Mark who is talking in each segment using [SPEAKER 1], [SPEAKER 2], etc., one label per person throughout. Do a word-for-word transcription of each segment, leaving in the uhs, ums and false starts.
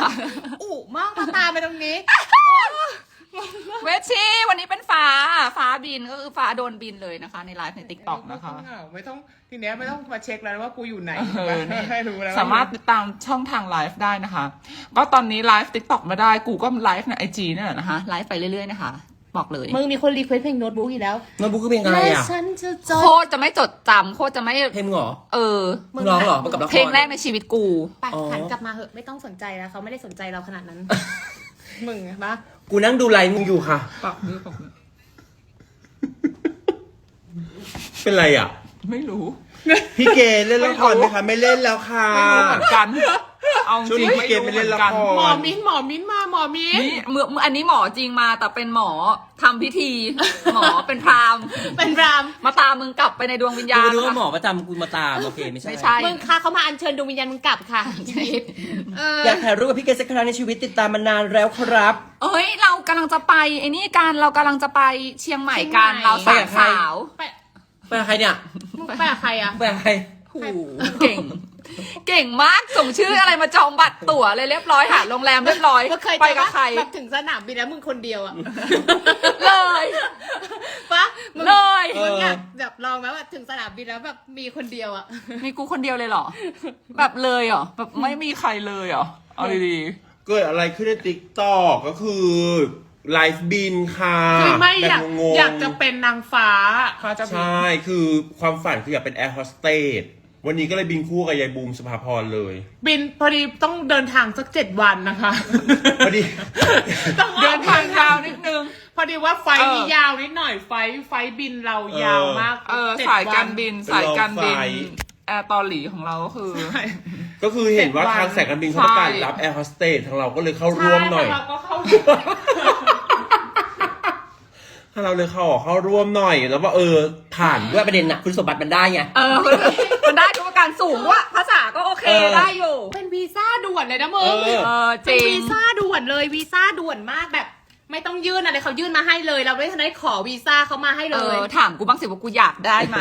[SPEAKER 1] อุมากมาตาไปตรงนี้
[SPEAKER 2] เวชชีวันนี้เป็นฟ้าฟ้าบินก็คือฟ้าโดนบินเลยนะคะในไลฟ์ในติ๊กต็อกนะคะ
[SPEAKER 1] ไม่ต้องทีเนี้ยไม่ต้องมาเช็คแล้วว่ากูอยู่ไหน
[SPEAKER 2] เออนี่
[SPEAKER 1] ให้รู้แล้ว
[SPEAKER 2] สามารถติดตามช่องทางไลฟ์ได้นะคะ ก็ตอนนี้ไลฟ์ติ๊กต็อกไม่ได้กูก็ไลฟ์ในไอจีนี่แหละนะคะไลฟ์ไปเรื่อยๆนะคะบอกเลย
[SPEAKER 1] มึงมีคนรีเควสเพลงโน้ตบุ๊กอีกแล้ว
[SPEAKER 3] โน้ตบุ๊กคือเพลงอะไรอ่ะ
[SPEAKER 1] ฉันจะจ
[SPEAKER 2] โค
[SPEAKER 1] ด
[SPEAKER 2] ตรจะไม่จดจำโคตรจะไม่
[SPEAKER 3] เพลงมึงเหรอ
[SPEAKER 2] เออ
[SPEAKER 3] มึงร้องเหรอมันกับละคร
[SPEAKER 2] เพลงแรกในชีวิตกู
[SPEAKER 1] ไป
[SPEAKER 3] อ๋อ
[SPEAKER 1] หันกลับมาเหอะไม่ต้องสนใจแล้วเขาไม่ได้สนใจเราขนาดนั้น มึงอะปะ
[SPEAKER 3] กูนั่งดูไลฟ์มึงอยู่ค่ะ
[SPEAKER 2] ปักมือปักมือ
[SPEAKER 3] เป็นไรอ่ะ
[SPEAKER 2] ไม่รู้
[SPEAKER 3] พี่เกดเล่นละครไหมคะไม่เล่นแล้วค่ะ
[SPEAKER 2] ไม่รู้เหมือนกันเอาจ
[SPEAKER 3] ช่วง
[SPEAKER 2] ริ
[SPEAKER 3] นี้
[SPEAKER 2] ง
[SPEAKER 3] พี่เกดไม่เล่นละคร
[SPEAKER 1] หมอมิ้นหมอมิ้นมาหมอมิ้น
[SPEAKER 2] นี่เมื่ออันนี้หมอจริงมาแต่เป็นหมอทำพิธี หมอเป็นพราหมณ์
[SPEAKER 1] เป็นราม
[SPEAKER 2] มาตามมึงกลับไปในดวงวิญญา
[SPEAKER 3] กู
[SPEAKER 2] ณ
[SPEAKER 3] นึกว่า
[SPEAKER 2] นะคะ
[SPEAKER 3] หมอประจำกูมาตามโอเคไม่ใช่
[SPEAKER 2] ไม่ใช่
[SPEAKER 1] มึงค่ะเขามาอัญเชิญดวงวิญญาณมึงกลับค่ะเออ
[SPEAKER 3] อยากถ่ายรูปกับพี่เกดสักครั้งในชีวิตติดตามมานานแล้วครับ
[SPEAKER 2] เอ้ยเรากำลังจะไปไอ้นี่กันเรากำลังจะไปเชียงใหม่กันเราสามสาว
[SPEAKER 1] ไป
[SPEAKER 3] ไปกับใครเนี่ย
[SPEAKER 1] มึงไปกับใครอะ
[SPEAKER 3] ไปกับใคร
[SPEAKER 2] โอ้โหเก่ง เก่งมากส่งชื่ออะไรมาจองบัตรตั๋วเลยเรียบร้อยหาโรงแรมเรียบร้อย
[SPEAKER 1] ก็เคย
[SPEAKER 2] ไปกับใคร
[SPEAKER 1] แบบถึงสนามบินแล้วมึงคนเดียวอะ
[SPEAKER 2] เลย
[SPEAKER 1] ปะมึง
[SPEAKER 2] เลย
[SPEAKER 1] มึงอยากแบบลองไหมว่าถึงสนามบินแล้วแบบมีคนเดียวอะ
[SPEAKER 2] มีกูคนเดียวเลยเหรอ แบบเลยเหรอแบบไม่มีใครเลยเหรอเอาดี
[SPEAKER 3] เกิดอะไรขึ้นในติ๊กต็อกก็คือไลฟ์บินค่ะ
[SPEAKER 1] คือไม่อยาก
[SPEAKER 3] แบบงงๆ
[SPEAKER 1] อยากจะเป็นนางฟ้าเขาจะบิน
[SPEAKER 3] ใช่คือความฝันคืออยากเป็นแอร์โฮสเตสวันนี้ก็เลยบินคู่กับยายบูมสุภาพรเลย
[SPEAKER 1] บินพอดีต้องเดินทางสักเจ็ดวันนะคะ
[SPEAKER 3] พอดี
[SPEAKER 1] ต้อง
[SPEAKER 2] ๆเดินทางยาวนิดนึง
[SPEAKER 1] พอดีว่าไฟล์นี้
[SPEAKER 2] เออ
[SPEAKER 1] ยาวนิดหน่อยไฟล์ไฟล์บินเรายาวมาก
[SPEAKER 2] เออ
[SPEAKER 1] จ็ด
[SPEAKER 2] สายการ
[SPEAKER 1] วัน
[SPEAKER 2] บิน
[SPEAKER 3] เป็น
[SPEAKER 2] สายการบิน
[SPEAKER 3] รองไฟ
[SPEAKER 2] แอร์ตอหลีของเราก็คือ
[SPEAKER 1] ใช่
[SPEAKER 3] ก็คือเห็นว่า
[SPEAKER 1] เจ็ดวัน
[SPEAKER 3] ทางสายการบินเขาประกาศ
[SPEAKER 2] ใช่
[SPEAKER 3] รับแอร์โฮสเตสทางเราก็เลยเข้าร่วมหน่อย
[SPEAKER 1] ใช่เราก็เข้า
[SPEAKER 3] ถ้าเราเลยเข้าเข้าร่วมหน่อยแล้วว่าเออผ่านด้วยประเด็นน่ะคุณสมบัติมันได้ไง
[SPEAKER 2] เออมันได้ทุกประการสูงด้วยภาษาก็โอเค
[SPEAKER 3] เออ
[SPEAKER 2] ได้อยู่
[SPEAKER 1] เป็นวีซ่าด่วนเลยนะมึ
[SPEAKER 3] เอง อ
[SPEAKER 2] เออจ
[SPEAKER 1] เป็น
[SPEAKER 2] ริง
[SPEAKER 1] วีซ่าด่วนเลยวีซ่าด่วนมากแบบ ไม่ต้องยื่นอะไรเขายื่นมาให้เลย เราไม่ทันได้ขอวีซ่าเขามาให้
[SPEAKER 2] เอ
[SPEAKER 1] เลย
[SPEAKER 2] อถามกูบ้างสิว่ากูอยากได้ไหม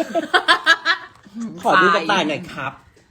[SPEAKER 3] ขอดูกระต่ายหน่อยครับ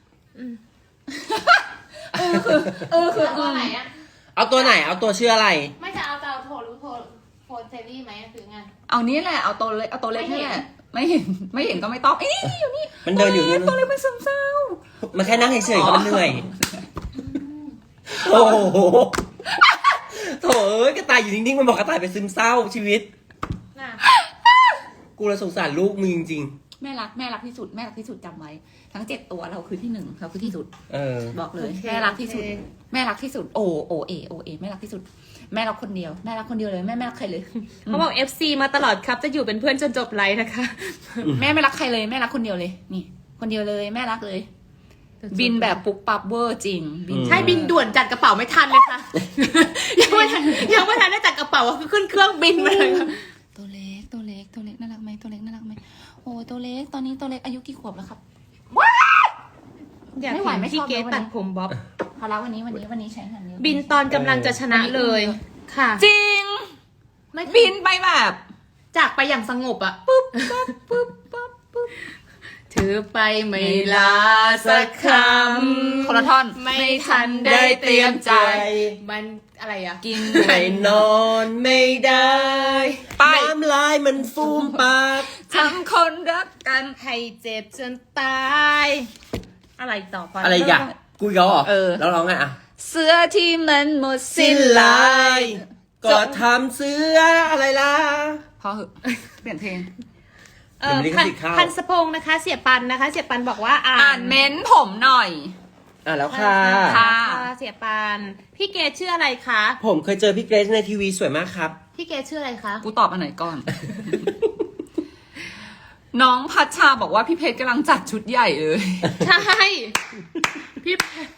[SPEAKER 2] เออคือเออคือ
[SPEAKER 1] ตัวไหนอะ
[SPEAKER 3] เอาตัวไหนเอาตัวชื่ออะไร
[SPEAKER 1] ไม่จะเอาจะเอาโทรรู้โทรโฟนเซรี่ไหมหรือไง
[SPEAKER 2] เอานี้แหละเอาตัวเล็กเอาตัวเล็กนี่แหละไม่เห็นไม่เห็นก็ไม่ต้องเอ้ยอยู่นี่
[SPEAKER 3] มันเดินอยู่
[SPEAKER 2] ตัว
[SPEAKER 3] นู่
[SPEAKER 2] เล็ก
[SPEAKER 3] น
[SPEAKER 2] ตัวเล็กเป็นซึมเศร้า
[SPEAKER 3] มันแค่นั่งเฉยๆก็มันเหนื่อยโอ้โหโถเอ้ยกระต่ายอยู่นิ่งๆมันบอกกระต่ายเป็นซึมเศร้าชีวิต
[SPEAKER 1] น่ะ
[SPEAKER 3] กูเลยสงสารลูกมึงจริง
[SPEAKER 2] แม่รักแม่รักที่สุดแม่รักที่สุดจำไว้ทั้งเจ็ดตัวเราคือที่หนึ่งเราคือที่สุด
[SPEAKER 3] ๆเออ
[SPEAKER 2] บอกเลย
[SPEAKER 1] โอเค
[SPEAKER 2] แม่รักที่สุด
[SPEAKER 1] โอเค
[SPEAKER 2] แม่รักที่สุดโอโอเอโอเอแม่รักที่สุด แม่รักคนเดียวแม่รักคนเดียวเลยแม่ไม่รักใครเลย
[SPEAKER 1] เขาบอก เอฟ ซี มาตลอดครับจะอยู่เป็นเพื่อนจนจบไลฟ์นะคะ
[SPEAKER 2] แม่ไม่รักใครเลยแม่รักคนเดียวเลย นี่ คนเดียวเลยแม่รักเลย บินแบบปุ๊บปั๊บเวอร์จริงบิน
[SPEAKER 3] อืม
[SPEAKER 1] ใช่บินด่วนจัดกระเป๋าไม่ทันเลยค่ะ ยังไม่ทันยังไม่ทันได้จัดกระเป๋าก็คือขึ้นเครื่องบินมาเลยค่ะ
[SPEAKER 2] ตัวเล็กตัวเล็กตัวเล็กน่ารักไหมตัวเล็กน่ารักไหมโอ้ยตัวเล็กตอนนี้ตัวเล็กอายุกี่ขวบแล้วครับ
[SPEAKER 1] อยาก
[SPEAKER 2] ไม่ไหว
[SPEAKER 1] เห็น
[SPEAKER 2] ไม่ช
[SPEAKER 1] พี่
[SPEAKER 2] อบ
[SPEAKER 1] เกต
[SPEAKER 2] เลยวันนี้
[SPEAKER 1] ตัดผมบ๊อบ
[SPEAKER 2] พอแล้ววันนี้วันนี้วันนี้ใช้งานเยอะ
[SPEAKER 1] บินตอนกำลังจะชนะเลย ค่ะ
[SPEAKER 2] จริง
[SPEAKER 1] ไม่
[SPEAKER 2] บินไปแบบ
[SPEAKER 1] จากไปอย่างสงบอะ
[SPEAKER 2] ปุ๊บปั๊บปุ๊บปั๊บปุ๊บ
[SPEAKER 1] ถือไปไม่ลาสักคำ
[SPEAKER 2] คนละท่อน
[SPEAKER 1] ไม่ทันได้เตรียมใจ มันอะไรอะ
[SPEAKER 2] กิน
[SPEAKER 3] ไม่นอนไม่ได้
[SPEAKER 2] ไป
[SPEAKER 3] น้ำลายมันฟูมปาก
[SPEAKER 2] ทำคนรักกัน
[SPEAKER 1] ให้เจ็บจนตาย อะไรต่อไป
[SPEAKER 3] อะไรอย่างกูอีกแล้วเหรอ
[SPEAKER 2] เออ
[SPEAKER 3] แล้วร้องไงอ่ะ
[SPEAKER 2] เสื้อที่มันหมดสิ้
[SPEAKER 3] สิ้
[SPEAKER 2] น
[SPEAKER 3] น
[SPEAKER 2] ลา
[SPEAKER 3] ลาย ยก็ทำเสื้ออะไรล่ะ
[SPEAKER 2] พอเหอะเปลี่ยนเพลง
[SPEAKER 1] เออ
[SPEAKER 3] เดี๋ยว
[SPEAKER 1] พั
[SPEAKER 3] มัน นลิขสิทธิ์เข้า
[SPEAKER 1] พันสะพงนะคะ เสียปันนะคะ เสียปันบอกว่าอ่าน
[SPEAKER 2] อ่านเม้นต์ผมหน่อย
[SPEAKER 3] อ่ะแล้วค่ะ
[SPEAKER 2] ค่ะ
[SPEAKER 1] เสียปันพี่เกดชื่ออะไรคะ
[SPEAKER 3] ผมเคยเจอพี่เกรซในทีวีสวยมากครับ
[SPEAKER 1] พี่เกดชื่ออะไรคะ
[SPEAKER 2] กูตอบอันไหนก่อน น้องพัชชาบอกว่าพี่เพชรกำลังจัดชุดใหญ่เลย
[SPEAKER 1] ใช่พี่เพชร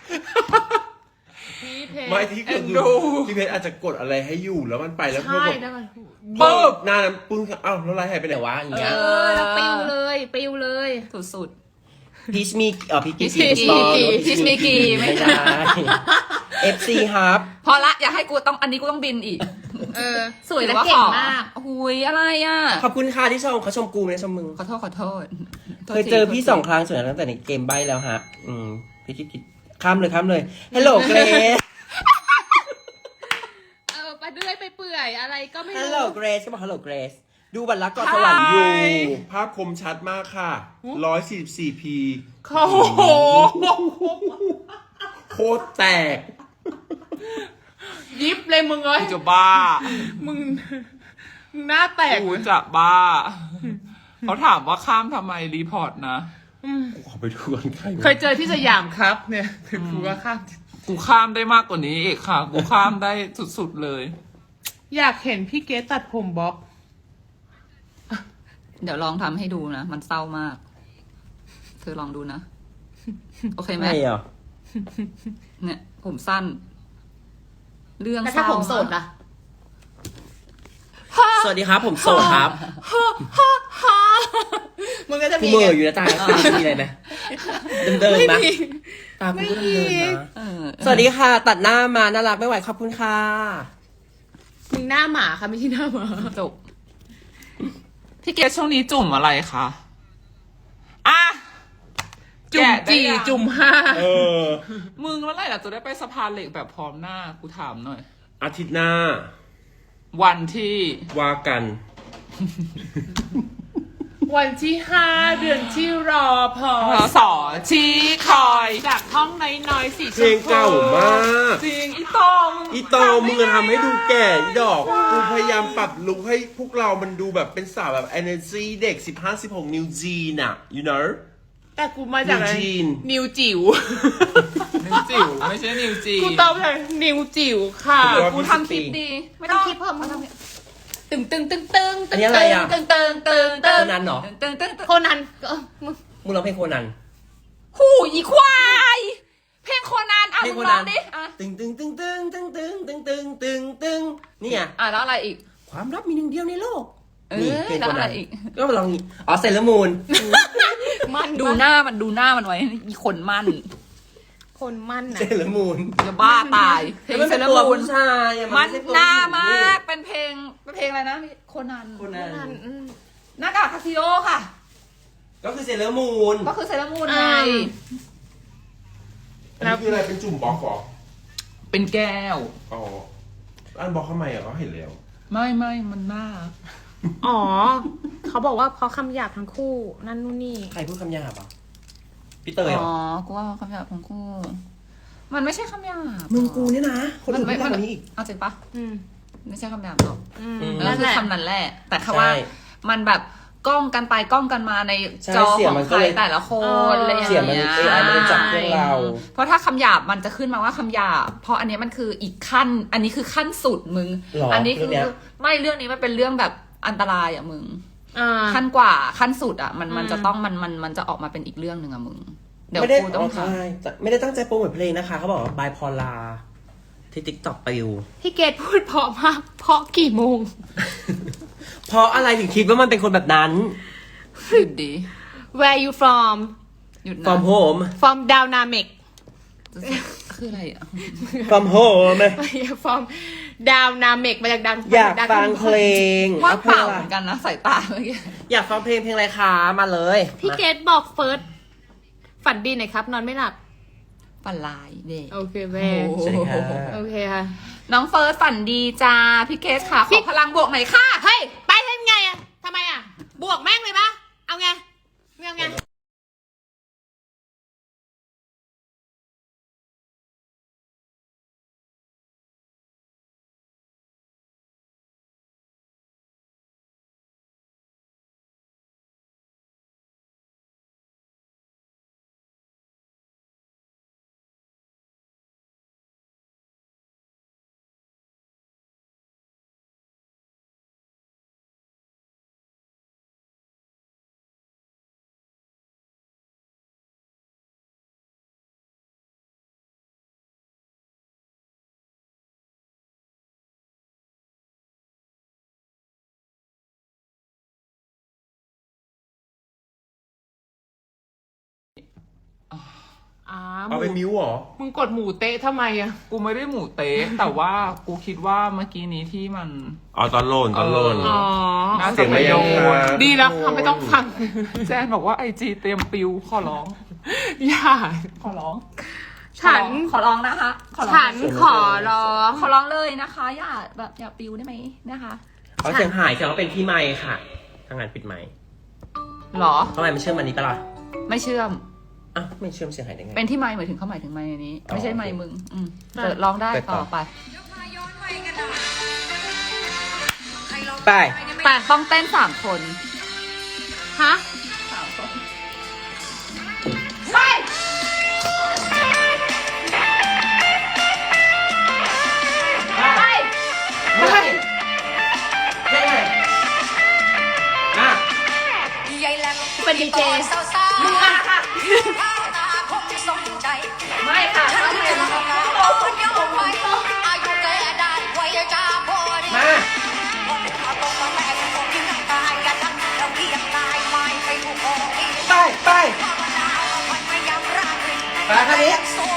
[SPEAKER 1] พี่เพชร
[SPEAKER 3] ไม่ที่คือ
[SPEAKER 2] เอ็นดู
[SPEAKER 3] พี่เพชรอาจจะกดอะไรให้อยู่แล้วมันไปแล้วพวก
[SPEAKER 1] ใช่
[SPEAKER 3] แบบ
[SPEAKER 1] แล้วมัน
[SPEAKER 3] ปึ๊บหน้านั้นปึ้งเอ้าแล้วไลน์หายไปไหนวะอย่าง
[SPEAKER 1] เอ
[SPEAKER 3] เงี้ย
[SPEAKER 1] อแล้วปิวเลยปิวเลย
[SPEAKER 2] สุด
[SPEAKER 3] พีชมีเอ่อพี
[SPEAKER 2] ๆ
[SPEAKER 3] กิ
[SPEAKER 2] พิ
[SPEAKER 3] ส
[SPEAKER 2] ช
[SPEAKER 3] ตอ
[SPEAKER 2] มี
[SPEAKER 3] ร์
[SPEAKER 2] กีพิชมีกีไม่
[SPEAKER 3] ไม่
[SPEAKER 2] ได้
[SPEAKER 3] ได้ เอฟ ซี ครับ
[SPEAKER 2] พอละอย่าให้กูต้องอันนี้กูต้องบินอีก
[SPEAKER 1] เออ ส
[SPEAKER 2] ส
[SPEAKER 1] วย
[SPEAKER 2] วย
[SPEAKER 1] และ
[SPEAKER 2] ว่า
[SPEAKER 1] เก่
[SPEAKER 2] ข
[SPEAKER 1] ง
[SPEAKER 2] อ
[SPEAKER 1] มาก
[SPEAKER 2] หุยอะไรอ่ะ
[SPEAKER 3] ขอบคุณค่ะที่ชมเขาชมกูไม่ได้ชมมึง
[SPEAKER 2] ขอโทษขอโทษ
[SPEAKER 3] เคยเจอพี่สองครั้งส่วนตั้งแต่ในเกมใบแล้วฮะ อืมพี่คิดคิดข้ามเลยข้ามเลย ฮัลโหลเกรซ
[SPEAKER 1] ก็ไม่
[SPEAKER 3] ฮัล
[SPEAKER 1] รู้
[SPEAKER 3] โหลเกรซก็บอกฮัลโหลเกรซดูบัตรลักษณ์เกาะสวรรค์อยู่
[SPEAKER 4] ภาพคมชัดมากค่ะ ร้อยสี่สิบสี่พี
[SPEAKER 2] โอ้โห
[SPEAKER 4] โคตรแตก
[SPEAKER 1] ยิบเลยมึงเอ้ย
[SPEAKER 2] กูจะบ้า
[SPEAKER 1] มึงมึงหน้าแตก
[SPEAKER 2] กูจะบ้า เขาถามว่าข้ามทำไมรีพอร์ตนะ
[SPEAKER 4] กูขอไปดูก่อนใครวะ
[SPEAKER 1] เคยเจอที่สยามครับ เนี่ยคือกูก็ข้าม
[SPEAKER 2] กูข้ามได้มากกว่านี้อีกค่ะ กูข้ามได้สุดๆเลย
[SPEAKER 1] อยากเห็นพี่เกสตัดผมบ๊อบ
[SPEAKER 5] เดี๋ยวลองทำให้ดูนะ มันเศร้ามาก เธอลองดูนะ โอเคไหม
[SPEAKER 3] ไม่เหรอ
[SPEAKER 5] เนี่ย ผมสั้น เรื่อง
[SPEAKER 1] แล้ว
[SPEAKER 5] เศ
[SPEAKER 1] ถ้า
[SPEAKER 5] ร้า
[SPEAKER 1] ผมโสดล่ะ
[SPEAKER 3] สวัสดีครับผมโสดครับ
[SPEAKER 1] มึงก็จะ
[SPEAKER 3] กู
[SPEAKER 1] มี
[SPEAKER 3] เหม่ออยู่นะตามีอะไรไหมเดิมๆนะตากูก็เดิมๆนะ
[SPEAKER 5] เออ
[SPEAKER 3] สวัสดีค่ะ ตัดหน้ามาน่ารักไม่ไหวขอบคุณค่ะ
[SPEAKER 1] มึงหน้าหมาค่ะไม่ใช่หน้าหมา
[SPEAKER 5] จบ
[SPEAKER 2] พี่เกดช่วงนี้จุ่มอะไรคะอ่ะ
[SPEAKER 1] จุ่ม
[SPEAKER 2] แกะได้
[SPEAKER 1] จี
[SPEAKER 2] ยัง
[SPEAKER 1] จุ่มห้า
[SPEAKER 4] เออ
[SPEAKER 2] มึงเมื่อไหร่เราจะได้ไปสะพานเหล็กแบบพร้อมหน้า กูถามหน่อย
[SPEAKER 4] อาทิตย์หน้า
[SPEAKER 2] วันที่
[SPEAKER 4] ว่ากัน
[SPEAKER 1] วันที่ห้าเดือนที่รอพอ
[SPEAKER 2] พศชี้คอย
[SPEAKER 1] จากห้องน้อยๆสีช
[SPEAKER 4] เพล
[SPEAKER 1] ม
[SPEAKER 4] ง
[SPEAKER 1] พู
[SPEAKER 4] เก่ามาก
[SPEAKER 2] จริงอีโตมึง
[SPEAKER 4] อีโตมึงจะทำให้ดูแก่อีดอก กูพยายามปรับลุคให้พวกเรามันดูแบบเป็นสาวแบบ energy เด็ก สิบห้าสิบหก นิวจีนอะ you know
[SPEAKER 1] แต่กูมาจากอะไร
[SPEAKER 4] นิวจีน
[SPEAKER 1] นิวจิ๋ว
[SPEAKER 2] นิวจิ๋วไม่ใช่นิวจี
[SPEAKER 1] กูตอบเลยนิวจิ๋วค่ะ
[SPEAKER 5] กูทำคลิปดี ไม่ต้อง
[SPEAKER 1] ทำคลิปเพิ่มมาทำคลิปตึงตึงตึงตึง
[SPEAKER 3] อันนี้อะไรอ่ะ
[SPEAKER 1] ตึงตึงตึงตึ
[SPEAKER 3] โค
[SPEAKER 1] ง
[SPEAKER 3] นันเหรอ
[SPEAKER 5] ตึงตึงตึง
[SPEAKER 1] โคนันเออมึง
[SPEAKER 3] มึงร้องเพลงโคนัน
[SPEAKER 5] หูอีควาย เพลงโคนันอ่ะ
[SPEAKER 3] เพล
[SPEAKER 5] มึ
[SPEAKER 3] ง
[SPEAKER 5] ง
[SPEAKER 3] โค
[SPEAKER 5] ล
[SPEAKER 3] นั
[SPEAKER 5] อน งดิอ่ะ
[SPEAKER 3] ตึงตึงตึงตึงตึงตึงตึงตึงตึงตึงนี่ไง
[SPEAKER 5] อ่ะแล้วอะไรอีก
[SPEAKER 3] ความลับมีหนึ่งเดียวในโลก
[SPEAKER 5] เออ
[SPEAKER 3] นี่เพลง
[SPEAKER 5] แล้ว
[SPEAKER 3] โค
[SPEAKER 5] อะไร
[SPEAKER 3] นัน
[SPEAKER 5] อีก
[SPEAKER 3] ก็มาลองนี่อ๋อเซเลมูน
[SPEAKER 1] มัน
[SPEAKER 5] ดูหน้ามันดูหน้ามันไว้อีคนมั่น
[SPEAKER 1] คนมันนะ
[SPEAKER 3] เซเลมูน
[SPEAKER 5] จะบ้าตาย เพลง
[SPEAKER 3] มัน
[SPEAKER 5] เซ
[SPEAKER 3] เป็น
[SPEAKER 5] เล
[SPEAKER 3] ตัว
[SPEAKER 5] มูน
[SPEAKER 3] ผู้ชายอะ
[SPEAKER 5] มัน
[SPEAKER 3] ไใช่ตัว
[SPEAKER 5] หน้า
[SPEAKER 3] ผู้หญิง
[SPEAKER 5] มาก เป็นเพลง เป็นเพลงอะไรนะโคนัน
[SPEAKER 3] โคนัน
[SPEAKER 1] อืม
[SPEAKER 5] หน้ากากคาซิโอค่ะ
[SPEAKER 3] ก็คือเซเลมูน
[SPEAKER 5] ก็คือเซเลมูนไง
[SPEAKER 4] อันนี้คืออะไรเป็นจุ่มบล็อกเหรอ
[SPEAKER 2] เป็นแก้ว
[SPEAKER 4] อ๋ออันบล็อกทำไมอ่ะเขาเห็นแล้ว
[SPEAKER 2] ไม่ไม่มันหน้า
[SPEAKER 1] อ๋อ เขาบอกว่าเขาคำหยาบทั้งคู่ นั่นนู่นนี่
[SPEAKER 3] ใครพูดคำหยาบอ่ะพี่เตยเหร
[SPEAKER 5] อ๋
[SPEAKER 3] อ
[SPEAKER 5] อ กูว่าคำหยาบทั้งคู่ มันไม่ใช่คำหยาบ
[SPEAKER 3] มึงกูเนี่ยนะ คน
[SPEAKER 5] มั
[SPEAKER 3] อื่น
[SPEAKER 5] ไม่
[SPEAKER 3] พูดมากกว่านี้อีก
[SPEAKER 5] เอาจริงปะ
[SPEAKER 1] อืม
[SPEAKER 5] ไม่ใช่คำหยาบหรอก
[SPEAKER 1] อืม
[SPEAKER 3] อืม
[SPEAKER 5] นั่
[SPEAKER 1] นั่
[SPEAKER 5] น
[SPEAKER 1] น
[SPEAKER 5] คื
[SPEAKER 1] แห
[SPEAKER 5] อ
[SPEAKER 1] ละ
[SPEAKER 5] คำนั้นแหละ แต่คำว่า
[SPEAKER 3] ใช่
[SPEAKER 5] มันแบบกล้องกันไปกล้องกันมาใน
[SPEAKER 3] ใช่
[SPEAKER 5] จอ
[SPEAKER 3] เสีย
[SPEAKER 5] ข
[SPEAKER 3] ง
[SPEAKER 5] อง
[SPEAKER 3] มัน
[SPEAKER 5] ใค
[SPEAKER 3] ก็
[SPEAKER 5] ร
[SPEAKER 3] เลย
[SPEAKER 5] แต่ละคนอะไรอย่าง
[SPEAKER 3] เสียงมัน
[SPEAKER 5] เงี้ย
[SPEAKER 3] เอไอมันเลยจับพวกเรา
[SPEAKER 5] เพราะถ้าคำหยาบมันจะขึ้นมาว่าคำหยาบ เพราะอันเนี้ยมันคืออีกขั้น อันนี้คือขั้นสุดมึง
[SPEAKER 3] หรอ
[SPEAKER 5] อันี้คื
[SPEAKER 3] เรื่องเนี้ย
[SPEAKER 5] ไม่เรื่องนี้มันเป็นเรื่องแบบอันตรายอ่ะมึง
[SPEAKER 1] อ่า
[SPEAKER 5] ขั้นกว่าขั้นสุดอ่ะมันมัน
[SPEAKER 1] อืม
[SPEAKER 5] จะต้องมันมันมันจะออกมาเป็นอีกเรื่องหนึ่งอ่ะมึง เดี๋ยว
[SPEAKER 3] ไม่ได้
[SPEAKER 5] กูต้อง
[SPEAKER 3] ใช่ไม่ได้ตั้งใจโปรโมทเพลงนะคะเขาบอกว่าบายพอลาที่ติ๊กต็อกไปอยู่
[SPEAKER 1] พี่เกดพูดเพราะมาก เพราะกี่โมง
[SPEAKER 3] เพราะอะไรถึงคิดว่ามันเป็นคนแบบนั้น
[SPEAKER 5] หยุดดี
[SPEAKER 1] Where you from
[SPEAKER 5] หยุดนะ
[SPEAKER 3] from home
[SPEAKER 1] from Dynamic
[SPEAKER 5] คืออะไรอ่ะ
[SPEAKER 3] from home
[SPEAKER 1] from Dynamic มาจากดัง
[SPEAKER 3] อยากฟังเพลง
[SPEAKER 5] ว่าง
[SPEAKER 3] อ
[SPEAKER 5] เปล่า
[SPEAKER 3] พล
[SPEAKER 5] เหมือนกันนะสายตาเมื่อกี้
[SPEAKER 3] อยากฟังเพลงเพลงอะไรคะมาเลย
[SPEAKER 1] พี่เกดบอกเฟิร์สฝันดีหน่อยครับ นอนไม่หลับ
[SPEAKER 5] ฝันลายเด็ก
[SPEAKER 1] โอเคแม่
[SPEAKER 5] โอ้โห
[SPEAKER 3] ใช่ค่ะ
[SPEAKER 1] โอเคค่ะ
[SPEAKER 5] น้องเฟิร์สฝันดีจ้า พี่เกสค่ะ ข
[SPEAKER 1] พี่
[SPEAKER 5] อพลังบวกหน่อยค่ะ
[SPEAKER 1] เฮ้ย ไปเล่นไงอะทำไมอะบวกแม่งเลยปะเอาไงเอาไงอ่า
[SPEAKER 4] เอาไปมิวเหรอ
[SPEAKER 1] มึงกดหมูเตะทำไมอะ
[SPEAKER 2] กูไม่ได้หมูเต๊ะแต่ว่ากูคิดว่าเมื่อกี้นี้ที่มัน
[SPEAKER 4] อ๋อตอนโลนตอนโลน
[SPEAKER 2] เอ
[SPEAKER 1] อ๋อ
[SPEAKER 2] น่า
[SPEAKER 4] เสี
[SPEAKER 2] จะ
[SPEAKER 4] ยง
[SPEAKER 2] ไป
[SPEAKER 4] ไม่
[SPEAKER 2] โด
[SPEAKER 4] ยัง
[SPEAKER 2] น
[SPEAKER 4] ค่ะ
[SPEAKER 1] ดีแล้วค่ะไม่ต้องฟัง
[SPEAKER 2] แจนบอกว่าไอจีเตรียมปิวขอร้อง
[SPEAKER 1] อย่า
[SPEAKER 2] ขอร้อง
[SPEAKER 1] ฉัน
[SPEAKER 5] ขอร้องนะคะขอร้อง
[SPEAKER 1] ฉันขอร้อง
[SPEAKER 5] ขอร้องเลยนะคะ อย่าแบบอย่าปิวได้ไหมนะคะ
[SPEAKER 3] เขาเสียงหายเสียงว่าเป็นพี่ไมค์ค่ะทางงานปิดไมค์
[SPEAKER 5] หรอ
[SPEAKER 3] ทำไมมันเชื่อมอันนี้ปะล่ะ
[SPEAKER 5] ไม่เชื่อม
[SPEAKER 3] อ่ะไม่เชื่อมเสียงหายได้ไง
[SPEAKER 5] เป็นที่ไมค์หมายถึงเขาหมายถึงไมค์อันนี้
[SPEAKER 3] อ๋อ
[SPEAKER 5] ไม่ใช่ไมค์มึง อืม
[SPEAKER 1] อ่ะ
[SPEAKER 5] เปิดร้องได้
[SPEAKER 3] เปิดต่
[SPEAKER 5] ต่
[SPEAKER 3] อ
[SPEAKER 5] อไป
[SPEAKER 3] ไป
[SPEAKER 1] ไป
[SPEAKER 5] ต้องเต้นสามคน
[SPEAKER 1] ฮะ
[SPEAKER 5] สามคน
[SPEAKER 1] ไป
[SPEAKER 3] ไป
[SPEAKER 1] ไป
[SPEAKER 3] เท่เลยอ่ะ
[SPEAKER 1] เป็นดีเจ
[SPEAKER 5] มึงอ่ะค่ะ ไม่ค่ะไม่เห็นแล้วค่ะ
[SPEAKER 3] มา ไปไปไปคันนี้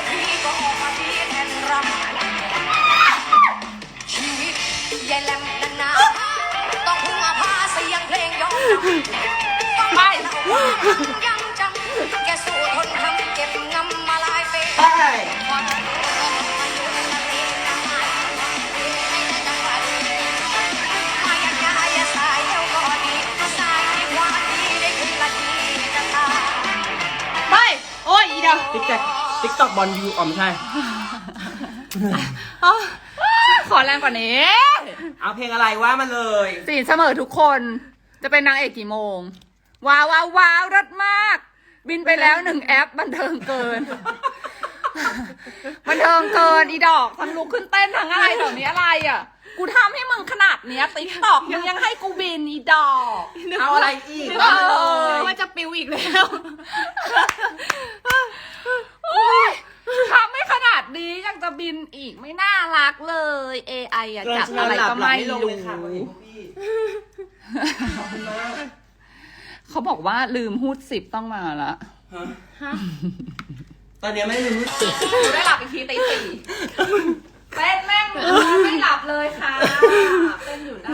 [SPEAKER 6] ชีวิตยายแหลมนานๆต้องพึ่งอาภาเสียงเพลงย้อนไปยังจังแกสู้ทนทำเก็บงำมาลายไป
[SPEAKER 3] ไป
[SPEAKER 6] ความอายุนั่นเองนะไม่ได้จังหวะดีมาอยากได้สายเดียวก็ดีสายที่ว่าดีได้คืนละทีจะตาย
[SPEAKER 1] ไป โอ้ยอีเดียว
[SPEAKER 3] ติ๊กแท็กติ๊กต็อกบอลยูอ๋อไม่ใช่
[SPEAKER 5] ขอแรงกว่านี้
[SPEAKER 3] เอาเพลงอะไรว่ามาเลย
[SPEAKER 5] สี่เสมอทุกคน จะเป็นนางเอกกี่โมง ว้าวว้าวว้าวรสมาก บินไปแล้วหนึ่งแอปบันเทิงเกิน บันเทิงเกินอีดอกทั้งลุกขึ้นเต้นทั้งอะไรแบบนี้อะไรอ่ะ กูทำให้มึงขนาดเนี้ยติ๊กตอกมึงยังให้กูบินอีดอก
[SPEAKER 3] เอาอะไรอีก
[SPEAKER 1] นึก
[SPEAKER 3] ว่า
[SPEAKER 1] ว่า
[SPEAKER 3] มาเลย
[SPEAKER 1] ว่าจะปิวอีกแล้ว
[SPEAKER 5] โอ๊ยทำไม่ขนาดนี้ยังจะบินอีกไม่น่ารักเลย เอ ไอ อะจับอะไรก็ไม่รู้ เขาบอกว่าลืมฮูดสิบต้องมาละ
[SPEAKER 1] ฮะ
[SPEAKER 3] ตอนนี้ไม่รู้สึก
[SPEAKER 5] กูได้หลับอีกทีตีสี่เต้นแม่งไม่หลับเลยค่ะเต้นอยู่หน้า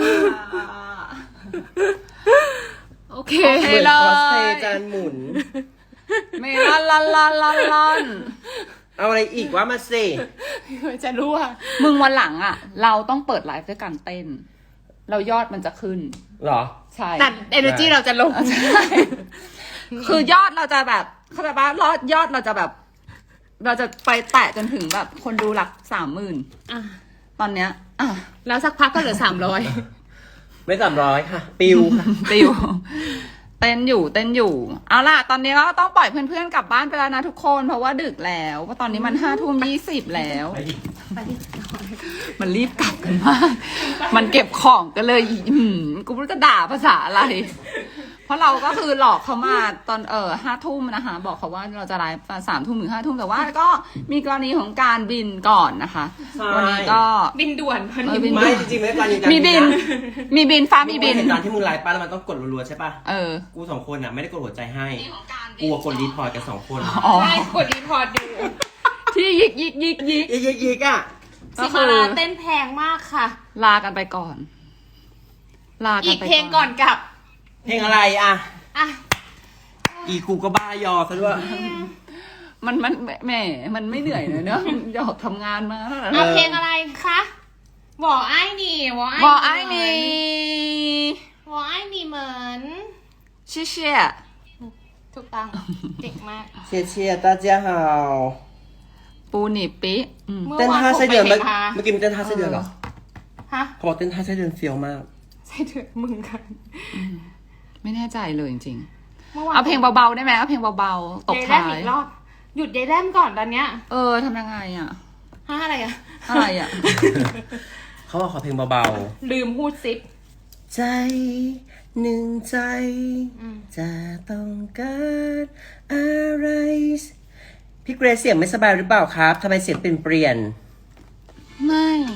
[SPEAKER 1] โอเค
[SPEAKER 5] โอเค
[SPEAKER 3] เหมือน
[SPEAKER 5] เล
[SPEAKER 3] คอสเพล
[SPEAKER 5] ย
[SPEAKER 3] ย์จานหมุน
[SPEAKER 5] ไม่ลอนลอนลอนลอนลอน
[SPEAKER 3] เอาอะไรอีกว่ามาสิ
[SPEAKER 1] จะรู้ว่า
[SPEAKER 5] มึงวันหลังอ่ะ เราต้องเปิดไลฟ์ด้วยการเต้น เรายอดมันจะขึ้น
[SPEAKER 3] เหรอ
[SPEAKER 5] ใช่
[SPEAKER 1] แต่ energy เราจะลง
[SPEAKER 5] ใช่คือยอดเราจะแบบเข้าใจปะยอดยอดเราจะแบบ เราจะไปแตะจนถึงแบบคนดูหลักสามหมื่น
[SPEAKER 1] อ่ะ
[SPEAKER 5] ตอนเนี้ยอ่ะ
[SPEAKER 1] แล้วสักพักก็เหลือสามร้อย
[SPEAKER 3] ไม่สามร้อยค่ะ ปิวค่ะ
[SPEAKER 5] ติวเต้นอยู่เต้นอยู่ เอาล่ะ ตอนนี้ก็ต้องปล่อยเพื่อนๆกลับบ้านไปแล้วนะทุกคน เพราะว่าดึกแล้วเพราะตอนนี้มันห้าทุ่มยี่สิบแล้ว มันรีบกลับกันมาก มันเก็บของกันเลยอืมกูไม่รู้จะด่าภาษาอะไร เพราะเราก็คือหลอกเขามาตอนเออห้าทุ่มนะคะ บอกเขาว่าเราจะไลฟ์ตอนสามทุ่มถึงห้าทุ่มแต่ว่าก็มีกรณีของการบินก่อนนะคะ
[SPEAKER 3] ใช่
[SPEAKER 5] วันนี้ก็
[SPEAKER 1] บินด่วนพัน
[SPEAKER 5] เออบิน
[SPEAKER 3] ไม่จริงๆไม่ได้การยืนยัน
[SPEAKER 5] มีบิน มีบินฟ้ามีบิน
[SPEAKER 3] เห็นตอนที่มึงไลฟ์ป้าแล้วมันต้องกดรัวๆใช่ป่ะ
[SPEAKER 5] เออ
[SPEAKER 3] กูสองคนอ่ะไม่ได้กดหัวใจให้กูกดรีพอร์ตกันสองคน
[SPEAKER 5] อ๋อ
[SPEAKER 1] ใช่กดรีพอร์ตอยู่
[SPEAKER 5] ที่ยิกยิกยิกยิก
[SPEAKER 3] อีกอีกอีกอ่ะ
[SPEAKER 1] สิมาราเต้นแพงมากค่ะ
[SPEAKER 5] ลากันไปก่อน ลากัน
[SPEAKER 1] อีก
[SPEAKER 5] ไป
[SPEAKER 1] เพลงก่อนกลับ
[SPEAKER 3] เพลงอะไรอ่ะ
[SPEAKER 1] อ่ะ
[SPEAKER 3] อีกูก็บ้ายอซะด้วย
[SPEAKER 5] มันมันแหมมันไม่เหนื่อยเลยเนอะหยอกทำงานมา
[SPEAKER 1] เอาเพลงอะไรคะวอไอ้นี่วอไอ้
[SPEAKER 5] บอกไอ้นี่
[SPEAKER 1] วอไอ้นี่เหมือน
[SPEAKER 5] เชี่ยเชี่ย
[SPEAKER 1] ถูกต้องเก่งมาก
[SPEAKER 3] เชียร์เชียร์ตาเจียฮาว
[SPEAKER 5] ปูหนีปิอืม
[SPEAKER 1] เมื่อ
[SPEAKER 3] เต้น
[SPEAKER 1] วาน
[SPEAKER 3] ท่า
[SPEAKER 1] ผม
[SPEAKER 3] ไส้
[SPEAKER 1] ไป
[SPEAKER 3] เดือน
[SPEAKER 1] เห็
[SPEAKER 3] เมื่อน
[SPEAKER 1] มา
[SPEAKER 3] เมื่อกี้มีเต้นท่าไส้เดือนเหรอ
[SPEAKER 1] ฮะ
[SPEAKER 3] เขาบอกเต้นท่าไส้เดือนเฟี้ยวมาก
[SPEAKER 1] ใช่เถอะมึงกัน
[SPEAKER 5] ไม่แน่ใจเลยจริง
[SPEAKER 1] เมื่อ
[SPEAKER 5] ๆ
[SPEAKER 1] วาน
[SPEAKER 5] เอาเพลงเบาๆได้ไหมเอาเพลงเบาๆตบ
[SPEAKER 1] ยายแร
[SPEAKER 5] ท้าม
[SPEAKER 1] อี
[SPEAKER 5] ย
[SPEAKER 1] กรอบหยุดยายแรมก่อนตอนเนี้ย
[SPEAKER 5] เออทำยังไงอ่ะ
[SPEAKER 1] ฮะอะไรอ่ะ
[SPEAKER 5] อะไรอ่ะ
[SPEAKER 3] เขาบอกขอเพลงเบา
[SPEAKER 1] ลืมพูดซิป
[SPEAKER 3] ๆ ใจหนึ่งใจ
[SPEAKER 1] อืม
[SPEAKER 3] จะต้องการอะไร พี่เกรซเสียงไม่สบายหรือเปล่าครับทำไมเสียงเปลี่ยนเปลี่ยน
[SPEAKER 5] ไม่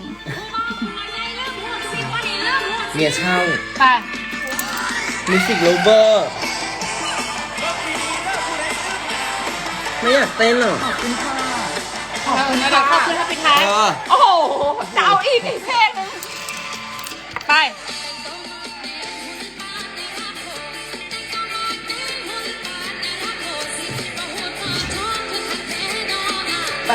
[SPEAKER 3] เมียเช่า
[SPEAKER 1] ไป
[SPEAKER 3] มิวสิกโลเวอร์ไม่อยากเต้นหรอก
[SPEAKER 5] ขอบคุณค่ะ
[SPEAKER 1] ขอบคุณนะคะขอบคุณค่ะปิดท้าย
[SPEAKER 3] เออ
[SPEAKER 5] โอ้โหจะเอาอีกอีกเพลงนึง
[SPEAKER 1] ไป
[SPEAKER 6] เ
[SPEAKER 3] ไป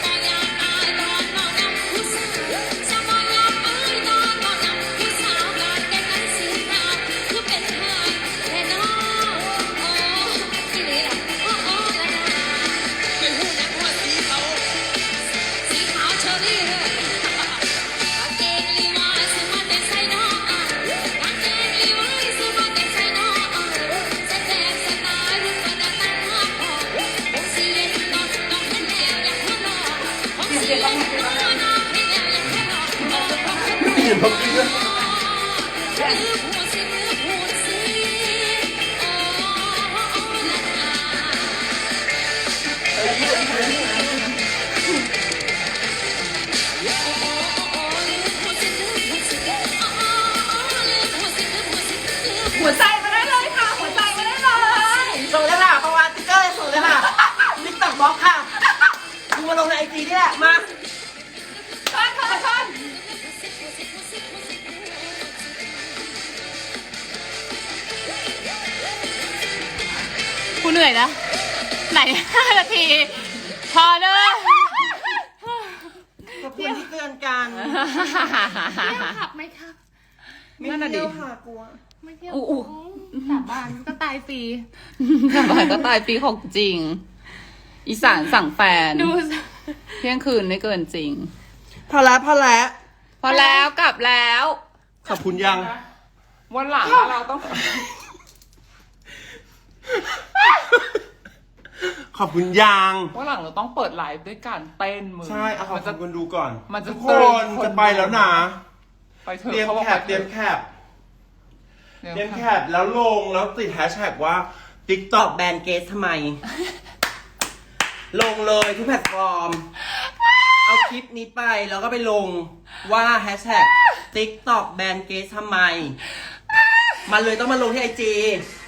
[SPEAKER 5] หัวใจมาได้เลยค่ะ หัวใจมาได้เลย
[SPEAKER 3] ส่งเลยค่ะประวัติเกอร์ส่งเลยค่ะติ๊กต็อกบล็อกค่ะมึงมาลงในไอจีนี่แหละมา
[SPEAKER 5] ชนชนชน
[SPEAKER 1] กูเหนื่อยนะ ไหนห้านาที พอเลย
[SPEAKER 3] ขอบคุณที่เตือนกัน
[SPEAKER 1] เที่ยวขับไหมครับ
[SPEAKER 5] นั่นน่ะดิ
[SPEAKER 3] ไม่เที่ยวค่ะกลัว
[SPEAKER 1] ไม่เที่ยว
[SPEAKER 5] อู้อู้
[SPEAKER 1] สาบานก็ตายฟรี
[SPEAKER 5] สบายก็ตายปีของจริง อีสานสั่งแฟน
[SPEAKER 1] ดู
[SPEAKER 5] เที่ยงคืนไม่เกินจริง
[SPEAKER 3] พอแล้วพอแล้ว
[SPEAKER 5] พอแล้วกลับแล้ว
[SPEAKER 4] ขอบคุณยัง
[SPEAKER 2] วันหลังเราต้อง
[SPEAKER 4] ขอบคุณยัง
[SPEAKER 2] วันหลังเราต้องเปิดไลฟ์ด้วยการเต้นมือ
[SPEAKER 4] ใช่เอาขอบ
[SPEAKER 2] มันจะ
[SPEAKER 4] คุณคนดูก่อน
[SPEAKER 2] มันจะ
[SPEAKER 4] ทุกคนจะไปแล้วนะ
[SPEAKER 2] ไปเถอะ
[SPEAKER 4] เตรียม
[SPEAKER 2] ขาบอก
[SPEAKER 4] แคป
[SPEAKER 2] ไป
[SPEAKER 4] เตรียมแคป
[SPEAKER 2] เตรียม
[SPEAKER 4] เตรียม
[SPEAKER 2] แค
[SPEAKER 4] แค
[SPEAKER 2] ป
[SPEAKER 4] ปแล้วลงแล้วติดแฮชแท็กว่า
[SPEAKER 3] ตอก
[SPEAKER 4] TikTok
[SPEAKER 3] แบนเกสทำไม ลงเลยทุกแพลตฟอร์ม เอาคลิปนี้ไปแล้วก็ไปลงว่าแฮชแท็ก TikTok แบนเกสทำไม มันเลยต้องมาลงที่ไอจี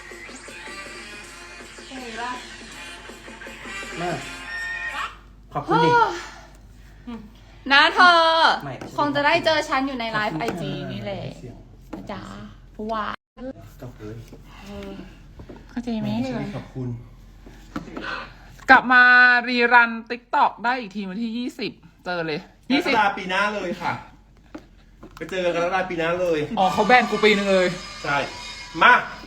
[SPEAKER 3] มาขอบคุณดิ
[SPEAKER 5] นะเธอ
[SPEAKER 3] ไม่ไม่ใช่
[SPEAKER 5] คงจะได้เจอฉันอยู่ในไลฟ์ไอจีนี่แหละนะจ๊ะเพราะว่า
[SPEAKER 4] ขอบคุณ
[SPEAKER 2] เข้าใจไหม
[SPEAKER 4] ขอบคุณ
[SPEAKER 2] กลับมารีรันติ๊กต็อกได้อีกทีวันที่ยี่สิบเจอเลย
[SPEAKER 4] ยี่
[SPEAKER 2] ยี่
[SPEAKER 4] สิ
[SPEAKER 2] สิ
[SPEAKER 4] บบ ปีหน้าเลยค่ะ ไปเจอกันกรกฎาคมปีหน้าเลย
[SPEAKER 2] อ๋อเขาแบนกูปีนึงเลย
[SPEAKER 4] ใช่ มา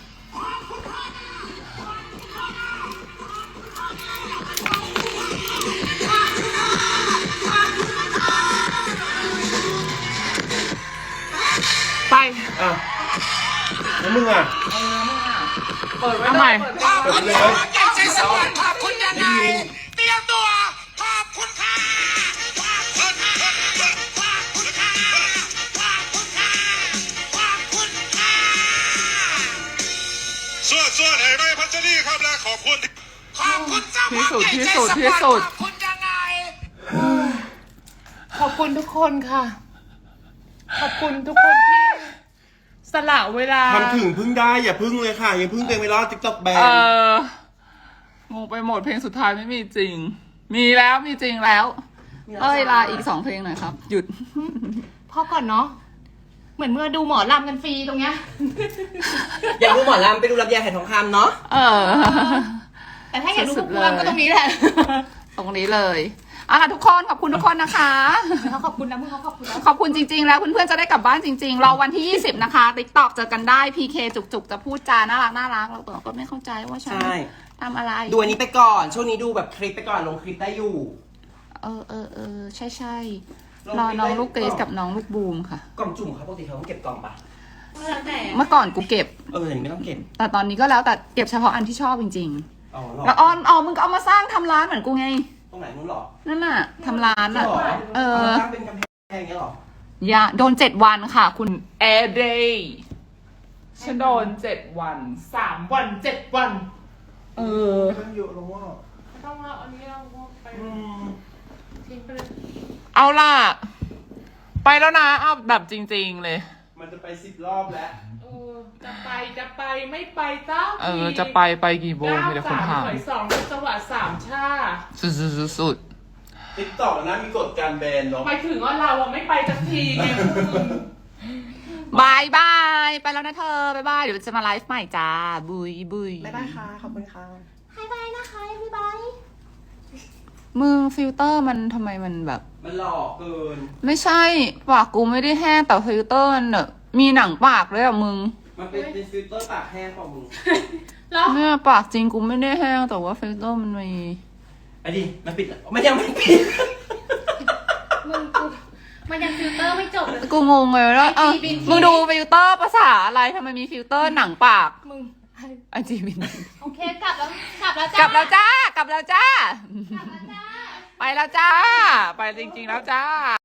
[SPEAKER 2] ไป
[SPEAKER 4] อ่ะ แล้วมึงอ่ะ
[SPEAKER 2] เปิดไว้ทำไม
[SPEAKER 4] เปิดไปเลย
[SPEAKER 6] อยากจะสวรรค์ขอบคุณยังไง
[SPEAKER 4] ได้ยิน
[SPEAKER 6] เตรียมตัวขอบคุณค่ะขอบคุณค่ะขอบคุณค่ะขอบคุณค่ะขอบคุณค่ะ
[SPEAKER 7] ส่วนส่วนให้ไม่พัชรีครับและขอบคุณ
[SPEAKER 6] ขอบคุณเจ้า
[SPEAKER 2] ที่สุด
[SPEAKER 6] ใหญ่
[SPEAKER 2] ที่
[SPEAKER 6] ใจ
[SPEAKER 2] สุด
[SPEAKER 6] สปอร์ต
[SPEAKER 2] ที่สุด
[SPEAKER 6] ขอบคุณยังไง
[SPEAKER 1] ขอบคุณทุกคนค่ะ ขอบคุณทุกคนที่สละเวลา
[SPEAKER 4] ทำถึงพึ่งได้อย่าพึ่งเลยค่ะ อย่าพึ่งเต็มไปรอด TikTok แบน
[SPEAKER 2] เอองงไปหมดเพลงสุดท้ายไม่มีจริง มีแล้วมีจริงแล้ว
[SPEAKER 5] เอ้ยลาอีกสองเพลงหน่อยครับ หยุด
[SPEAKER 1] พอก่อนเนาะ เหมือนเมื่อดูหมอลำกันฟรีตรงเนี้ย
[SPEAKER 3] อยากดูหมอลำไปดูลำไยไหทองคำเนาะ
[SPEAKER 5] เออ
[SPEAKER 1] แต่ถ้าอยากดู
[SPEAKER 5] สุ
[SPEAKER 1] พว
[SPEAKER 5] ด
[SPEAKER 1] ก
[SPEAKER 5] ๆเลย
[SPEAKER 1] ลำก็ตรงนี้แหละ
[SPEAKER 5] ตรงนี้เลยเอาล่ะทุกคนขอบคุณทุกคนนะคะ
[SPEAKER 1] เขาขอบคุณนะมึงเขาขอบคุณนะ
[SPEAKER 5] ขอบคุณจริงๆ แล้วเพื่อนๆ จะได้กลับบ้านจริงๆ รอวันที่ ยี่สิบ นะคะ ติ๊กตอกเจอกันได้ พีเค จุกๆ จะพูดจาน่ารักน่ารักเราก็ไม่เข้าใจว่าฉัน
[SPEAKER 3] ใช่
[SPEAKER 5] ทำอะไร
[SPEAKER 3] ดูอันนี้ไปก่อน ช่วงนี้ดูแบบคลิปไปก่อน ลงคลิปได้อยู่
[SPEAKER 5] เออเออเออใช่ใช่
[SPEAKER 3] ลง
[SPEAKER 5] รอ
[SPEAKER 3] คลิป
[SPEAKER 5] น้อง
[SPEAKER 3] ได้
[SPEAKER 5] ลูกเกรซกับน้องลูกบูมค่ะ
[SPEAKER 3] กล่องจุ่มครับปกติเขาต้องเก็บกล่องปะ
[SPEAKER 1] แล้วแต่
[SPEAKER 5] เมื่อก่อนกูเก็บ
[SPEAKER 3] เอออย่างนี้ไม่ต้องเก็บ
[SPEAKER 5] แต่ตอนนี้ก็แล้วแต่เก็บเฉพาะอันที่ชอบจริง
[SPEAKER 3] อ๋อหรอ
[SPEAKER 5] ๆ แล้วออนอ๋อมึงก็เอามาสร้างทำร้านเหมือนกูไง
[SPEAKER 3] ตรงไหนนู้นหรอ
[SPEAKER 5] นั่นน่ะทำร้าน
[SPEAKER 3] หร
[SPEAKER 5] อ่ะ
[SPEAKER 3] อ
[SPEAKER 5] เออ
[SPEAKER 3] ามาตั้งเป็นกำแพงอย่างเงี้ยหรอ
[SPEAKER 5] อย่าโดนเจ็ดวันค่ะ คุณ
[SPEAKER 2] แอร์เดย์ฉันโดนเจ็ดวัน
[SPEAKER 1] สามวันเจ็ดวัน
[SPEAKER 5] เออ
[SPEAKER 4] ตั้งเยอะแล้วว่า
[SPEAKER 1] ต้องเอาอันนี้เราไป
[SPEAKER 4] อืม
[SPEAKER 1] ทิ้งไปเลย
[SPEAKER 2] เอาล่ะ ไปแล้วนะเอาแบบจริงๆเลย
[SPEAKER 4] มันจะไปสิบรอบแล้ว
[SPEAKER 1] เออจะไปจะไปไม่ไปเจ้า
[SPEAKER 2] เออ จะไปไปกี่โมงมีแต่คนถาม
[SPEAKER 1] หน่วยสองจังหวัดสามชา
[SPEAKER 2] สุดสุดสุดสุด
[SPEAKER 4] TikTok นะมีกฎการแบนเนาะ
[SPEAKER 1] หมายถึงว่าเราอะไม่ไปสักทีไงพวกมึง
[SPEAKER 5] บายบาย ไปแล้วนะเธอบายบาย เดี๋ยวจะมาไลฟ์ใหม่จ้า บุยบุย
[SPEAKER 3] บ๊ายบายค่ะ ขอบคุณค่ะ
[SPEAKER 1] บายบายนะคะบ๊ายบาย
[SPEAKER 5] มึงฟิลเตอร์มันทำไมมันแบบ
[SPEAKER 3] มันหลอกเกิน
[SPEAKER 5] ไม่ใช่ปากกูไม่ได้แห้งแต่ฟิลเตอร์มันแบบมีหนังปากด้วยอะมึง
[SPEAKER 3] มันเป็นเป็นฟิลเตอร์ปากแห้งของมึง
[SPEAKER 1] แล้ว
[SPEAKER 5] เนี่ยปากจริงกูไม่ได้แห้งแต่ว่าฟิลเตอร์มันมี
[SPEAKER 3] ไอ้ดิมันปิดมันยังไม่ปิด
[SPEAKER 1] มึงกูมันยังฟิลเตอร์ไม่จบเลย
[SPEAKER 5] กูงงเลยแล้วเออ
[SPEAKER 1] ไอจีบิน
[SPEAKER 5] มึงดูฟิลเตอร์ภาษาอะไรทำไมมีฟิลเตอร์หนังปาก
[SPEAKER 1] มึง
[SPEAKER 5] ไอจีบิน
[SPEAKER 1] โอเคกลับแล้วกลับแล้วจ้าก
[SPEAKER 5] ลับแล้วจ้ากลับแล้วจ้า
[SPEAKER 1] กลับแล้วจ้า
[SPEAKER 5] ไปแล้วจ้า ไปจริงๆแล้วจ้า